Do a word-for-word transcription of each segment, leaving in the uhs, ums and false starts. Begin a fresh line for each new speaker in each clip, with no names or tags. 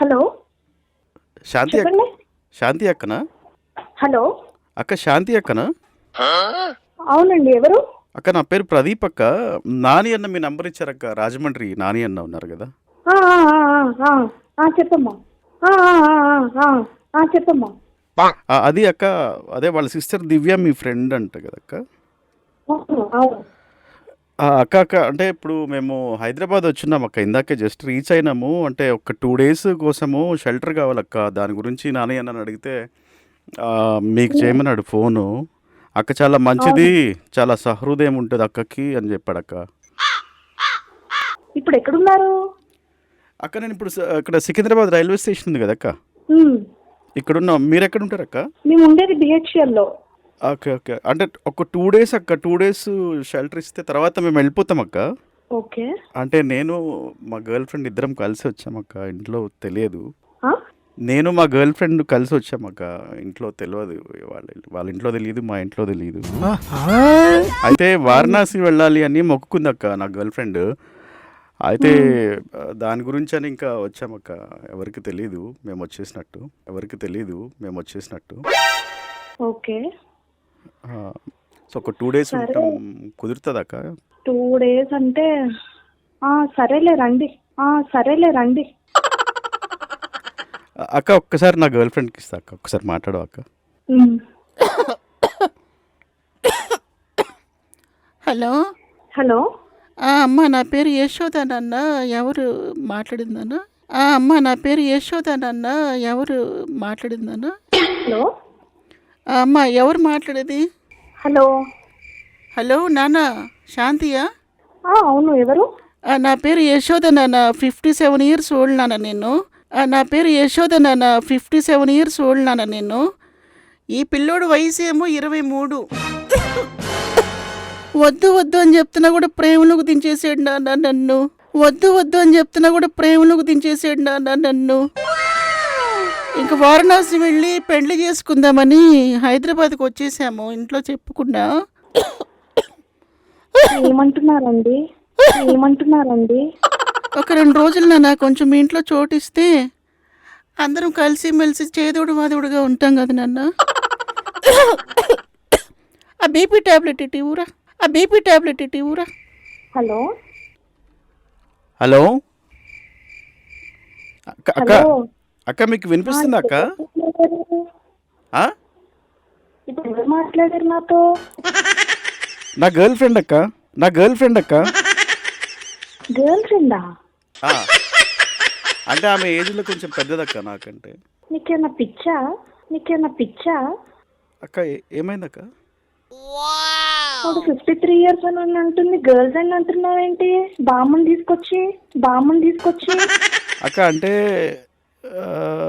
Hello
శాంతి అక్క
చెప్పండి.
శాంతి అక్కనా
hello
అక్క శాంతి అక్కనా
అవునండి, ఎవరు?
అక్క నా పేరు ప్రదీప్ అక్క. నాని అన్న మీ నంబర్ ఇచ్చారక్క. రాజమండ్రి నాని అన్న ఉన్నారు కదా.
ఆ, ఆ, ఆ, ఆ, ఆ, చెప్పమ్మా. ఆ, ఆ, ఆ, ఆ, ఆ, చెప్పమ్మా.
ఆ, అది అక్క, అదే వాళ్ళ సిస్టర్ దివ్య మీ ఫ్రెండ్ అంట కదక్క.
అవును, అవును.
ఆ, అక్క అక్క అంటే ఇప్పుడు మేము హైదరాబాద్ వచ్చినాం అక్క. ఇందాకే జస్ట్ రీచ్ అయినాము. అంటే ఒక టూ డేస్ కోసము షెల్టర్ కావాలక్క. దాని గురించి నాని అన్నని అడిగితే ఆ, మీకు చేయమన్నాడు ఫోను. అక్క చాలా మంచిది,
అవును.
చాలా సహృదయం ఉంటుంది అక్కకి అని చెప్పాడక్క.
ఇప్పుడు ఎక్కడున్నారు?
అక్క నేను ఇప్పుడు స- ఇక్కడ సికింద్రాబాద్ రైల్వే స్టేషన్ ఉంది కదక్క.
ఉమ్,
ఇక్కడున్నాం. మీరు ఎక్కడ ఉంటారక్క?
మేము ఉండేది బిహెచ్ఎల్ లో.
ఓకే ఓకే అంటే ఒక టూ డేస్ అక్క. టూ డేస్ షెల్టర్ ఇస్తే తర్వాత మేము వెళ్ళిపోతాం అక్క.
ఓకే.
అంటే నేను మా గర్ల్ ఫ్రెండ్ ఇద్దరం కలిసి వచ్చామక్క. ఇంట్లో తెలియదు.
ఆ?
నేను మా గర్ల్ ఫ్రెండ్ కలిసి వచ్చామక్క. ఇంట్లో తెలియదు. వాళ్ళ వాళ్ళ ఇంట్లో తెలియదు, మా ఇంట్లో తెలియదు. అయితే వారణాసి వెళ్ళాలి అని మొక్కుకుందక్క నా గర్ల్ ఫ్రెండ్. అయితే ఆ, దాని గురించి అని ఇంకా వచ్చామక్క. ఎవరికి తెలీదు మేము వచ్చేసినట్టు. ఎవరికి తెలీదు మేము వచ్చేసినట్టు.
ఓకే.
ఆ, సో ఒక టూ డేస్
సరే,
ఉంటాం. కుదురుతుందక్క?
టూ డేస్ అంటే ఆ, సరేలే రండి. ఆ, సరేలే రండి.
అక్క ఒక్కసారి నా గర్ల్ ఫ్రెండ్కి ఇస్తా అక్క. ఒక్కసారి మాట్లాడవు అక్క.
ఉమ్,
హలో
హలో
ఆ, అమ్మ నా పేరు యశోద నాన్న. ఎవరు మాట్లాడిందన్న? ఆ, అమ్మ నా పేరు యశోద నాన్న. ఎవరు మాట్లాడిందన్న?
హలో
ఆ, అమ్మ ఎవరు మాట్లాడేది?
హలో
హలో నాన్న, శాంతియా?
ఆ, అవును, ఎవరు?
ఆ, నా పేరు యశోద నాన్న. ఫిఫ్టీ సెవెన్ ఇయర్స్ ఓల్డ్ నాన్న నేను. ఆ, నా పేరు యశోద నాన్న. ఫిఫ్టీ సెవెన్ ఇయర్స్ ఓల్డ్ నాన్న నేను. ఈ పిల్లోడు వయసు ఏమో ఇరవై మూడు. వద్దు వద్దు అని చెప్తున్నా కూడా ప్రేమలోకి దించేసాడు నాన్న నన్ను. వద్దు వద్దు అని చెప్తున్నా కూడా ప్రేమలోకి దించేసాడు నాన్న నన్ను. ఇంక వారణాసి వెళ్ళి పెళ్లి చేసుకుందామని హైదరాబాద్కి వచ్చేసాము. ఇంట్లో చెప్పుకున్నా.
ఏమంటున్నారండి? ఏమంటున్నారండి?
ఒక రెండు రోజులు నాన్న కొంచెం మీ ఇంట్లో చోటిస్తే అందరం కలిసి మెలిసి చేదోడు వాదోడుగా ఉంటాం కదా నాన్న. ఆ బీపీ ట్యాబ్లెట్ ఇటు ఊరా. ఆ బీపీ ట్యాబ్లెట్ ఇటు ఊరా.
హలో
హలో అక్క అక్క
హలో
అక్క మీకు వినిపిస్తుందా అక్క? ఆ?
ఇప్పుడు ఎవరు మాట్లాడారు నాతో?
నా గర్ల్ ఫ్రెండ్ అక్క. నా గర్ల్ ఫ్రెండ్ అక్క.
గర్ల్ ఫ్రెండా?
ఆ, అంటే ఆమె ఏజ్లో కొంచెం పెద్దదక్క నాకంటే.
నీకేమన్నా పిచ్చా? నీకేమన్నా పిచ్చా?
అక్క ఏ- ఏమైందక్క?
వాడు ఫిఫ్టీ త్రీ ఇయర్స్ అని అంటుంది, గర్ల్ ఫ్రెండ్ అంటున్నావేంటి? బామ్మని తీసుకొచ్చి బామ్మని తీసుకొచ్చి
అక్క అంటే ఆ,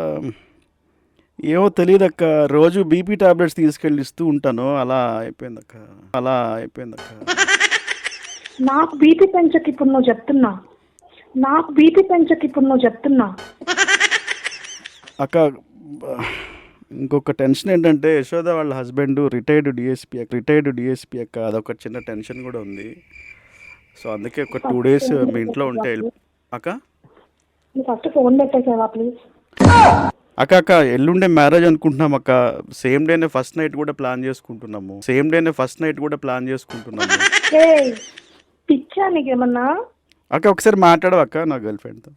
ఏమో తెలియదక్క. రోజు బీపీ టాబ్లెట్స్ తీసుకెళ్ళి ఇస్తూ ఉంటాను. అలా అయిపోయిందక్క. అలా అయిపోయిందక్క.
నాకు బీపీ పెంచకి ఇప్పుడు నువ్వు చెప్తున్నా. నాకు బీపీ పెంచకి ఇప్పుడు నువ్వు చెప్తున్నా.
అక్క బ- ఇంకొక టెన్షన్ ఏంటంటే యశోద వాళ్ళ husband retired DSP retired DSP అక్క. అదొక చిన్న టెన్షన్ కూడా ఉంది. సో అందుకే ఒక టూ డేస్ మీ ఇంట్లో ఉంటే వెళ్ళి అక్క
నువ్వు ఫస్ట్ ఫోన్ పెట్టేసావా ప్లీజ్?
అక్క అక్క ఎల్లుండే మ్యారేజ్ అనుకుంటున్నాం అక్క. సేమ్ డేనే ఫస్ట్ నైట్ కూడా ప్లాన్ చేసుకుంటున్నాము. సేమ్ డేనే ఫస్ట్ నైట్ కూడా ప్లాన్ చేసుకుంటున్నాము.
ఏ పిచ్చా నీకేమన్నా?
అక్క ఒకసారి మాట్లాడవు అక్క నా గర్ల్ ఫ్రెండ్తో.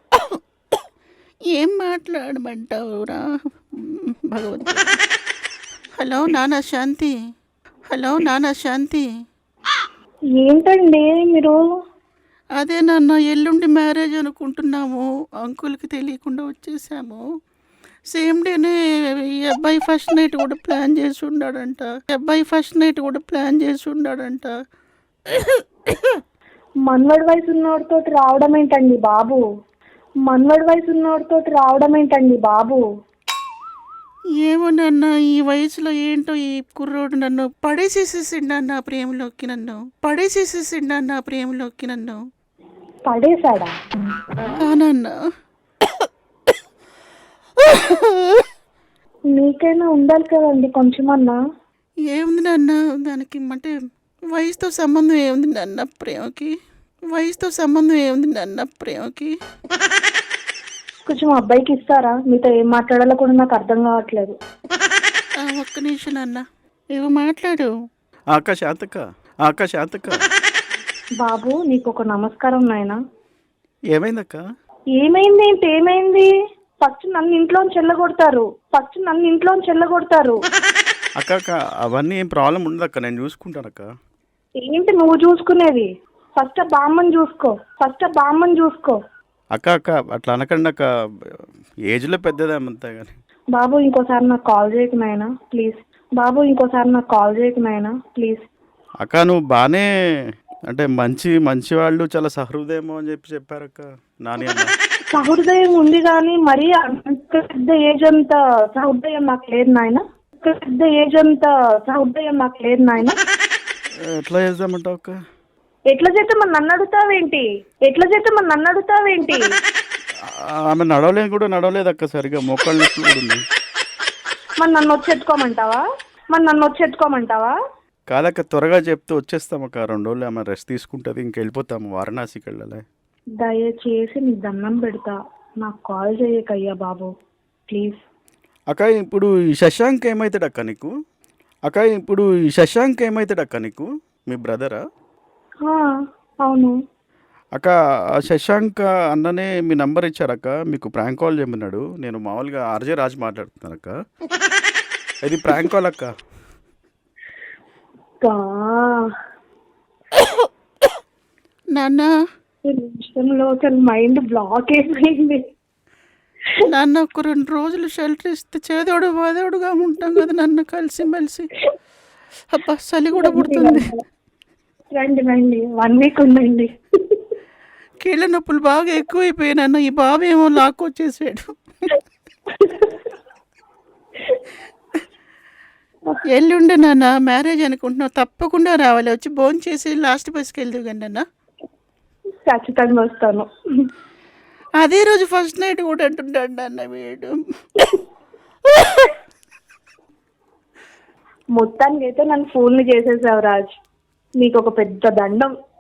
ఏం మాట్లాడమంటావురా భగవంతుడు. హలో నాన్న శాంతి. హలో నాన్న శాంతి.
ఏంటండి మీరు?
అదే నాన్న, ఎల్లుండి మ్యారేజ్ అనుకుంటున్నాము. అంకుల్కి తెలియకుండా వచ్చేసాము. సేమ్ డేనే ఈ అబ్బాయి ఫస్ట్ నైట్ కూడా ప్లాన్ చేసి ఉన్నాడంట. ఈ అబ్బాయి ఫస్ట్ నైట్ కూడా ప్లాన్ చేసి ఉన్నాడంట.
మన్వడి వయసు ఉన్నోడితో రావడం ఏంటండి బాబు? మన్వడి వయసు ఉన్నోడితో రావడం ఏంటండి బాబు?
ఏమో నాన్న, ఈ వయసులో ఏంటో ఈ కుర్రోడు నన్ను పడేసేసేసిండు నాన్న ప్రేమలోకి. నన్ను పడేసేసేసిండు నాన్న ప్రేమలోకి నన్ను.
పడేశాడా?
ఆ నాన్న.
మీకైనా ఉండాలి కదండి కొంచెమన్నా.
ఏముంది నాన్న దానికి, అంటే వయసుతో సంబంధం ఏముంది నాన్న ప్రేమకి? వయసుతో సంబంధం ఏముంది నాన్న ప్రేమకి?
కొంచెం అబ్బాయికి ఇస్తారా? మీతో ఏం మాట్లాడాలో కూడా నాకు అర్థం కావట్లేదు.
ఆ, ఒక్క నిమిషం నాన్న, ఇవి మాట్లాడు.
ఆ అక్క శాంతక్క, ఆ అక్క శాంతక్క.
బాబు నీకు ఒక నమస్కారం నాయనా.
ఏమైందక్క?
ఏమైంది ఏంటి? ఏమైంది? ఫస్ట్ నన్ను ఇంట్లోంచి చెల్లగొడతారు. ఫస్ట్ నన్ను ఇంట్లోంచి చెల్లగొడతారు.
అక్క అక్క అవన్నీ ఏం ప్రాబ్లం ఉండదక్క, నేను చూసుకుంటానక్క.
ఏంటి నువ్వు చూసుకునేది? ఫస్ట్ ఆ బామ్మని చూసుకో. ఫస్ట్ ఆ బామ్మని చూసుకో.
అక్క అక్క అట్లా అనకండి అక్క, ఏజ్లో పెద్దదేమంతా కానీ.
బాబు ఇంకోసారి నాకు కాల్ చేయకు నాయనా ప్లీజ్. బాబు ఇంకోసారి నాకు కాల్ చేయకు నాయనా ప్లీజ్.
అక్క నువ్వు బాగానే అంటే మంచి మంచి వాళ్ళు చాలా సహృదయం అని చెప్పి చెప్పారక్క నాని అన్న.
సహృదయం ఉంది కానీ మరీ అంత పెద్ద ఏజ్ అంత సహృదయం నాకు లేదు నాయన. పెద్ద ఏజ్ అంత సహృదయం నాకు లేదు నాయన.
ఎట్లా చేద్దామంటావు అక్క?
ఎట్లా చేస్తే మన నన్ను అడుగుతావేంటి? ఎట్లా చేస్తే మన నన్ను అడుగుతావేంటి?
ఆమె నడవలేదు కూడా నడవలేదు అక్క సరిగా, మోకాళ్ళ నొప్పి కూడా ఉంది.
మన నన్ను వచ్చి ఎత్తుకోమంటావా? మన నన్ను వచ్చి ఎత్తుకోమంటావా?
కాదక్క త్వరగా చెప్తే వచ్చేస్తాం అక్క, రెండు రోజులు ఆమె రెస్ట్ తీసుకుంటుంది, ఇంకెళ్ళిపోతాము వారణాసికి వెళ్ళాలి.
దయచేసి నీకు దండం పెడతా, నాకు కాల్ చేయకయ్యా బాబు ప్లీజ్.
అక్క ఇప్పుడు ఈ శశాంక్ ఏమవుతాడు అక్క నీకు? అక్క ఇప్పుడు ఈ శశాంక్ ఏమవుతాడు అక్క నీకు? మీ బ్రదరా?
అవును
అక్క ఆ శశాంక్ అన్ననే మీ నంబర్ ఇచ్చారక్క, మీకు ప్రాంక్ కాల్ చేయమన్నాడు. నేను మామూలుగా ఆర్జే రాజు మాట్లాడుతున్నాను అక్క, ఇది ప్రాంక్ కాల్ అక్క.
నాన్న
నిమిషంలో అసలు మైండ్ బ్లాక్ అయిపోయింది.
నాన్న ఒక రెండు రోజులు షెల్టర్ ఇస్తే చేదోడు వాదోడుగా ఉంటాం కదా నాన్న, కలిసి మెలిసి. అబ్బా చలి కూడా పుడుతుంది.
రండి రండి, వన్ వీక్ ఉందండి.
కీళ్ళ నొప్పులు బాగా ఎక్కువైపోయాయి నాన్న, ఈ బాబు ఏమో లాక్కొచ్చేసాడు. ఎల్లుండే నాన్న మ్యారేజ్ అనుకుంటున్నావు, తప్పకుండా రావాలి, వచ్చి భోజనం చేసి లాస్ట్ బస్కి వెళ్దు కండి అన్న.
ఖచ్చితంగా వస్తాను.
అదే రోజు ఫస్ట్ నైట్ కూడా అంటుంటాడు అన్న వీడు.
మొత్తానికి అయితే నన్ను ఫోన్లు చేసేసావు రాజ్, నీకు ఒక పెద్ద దండం.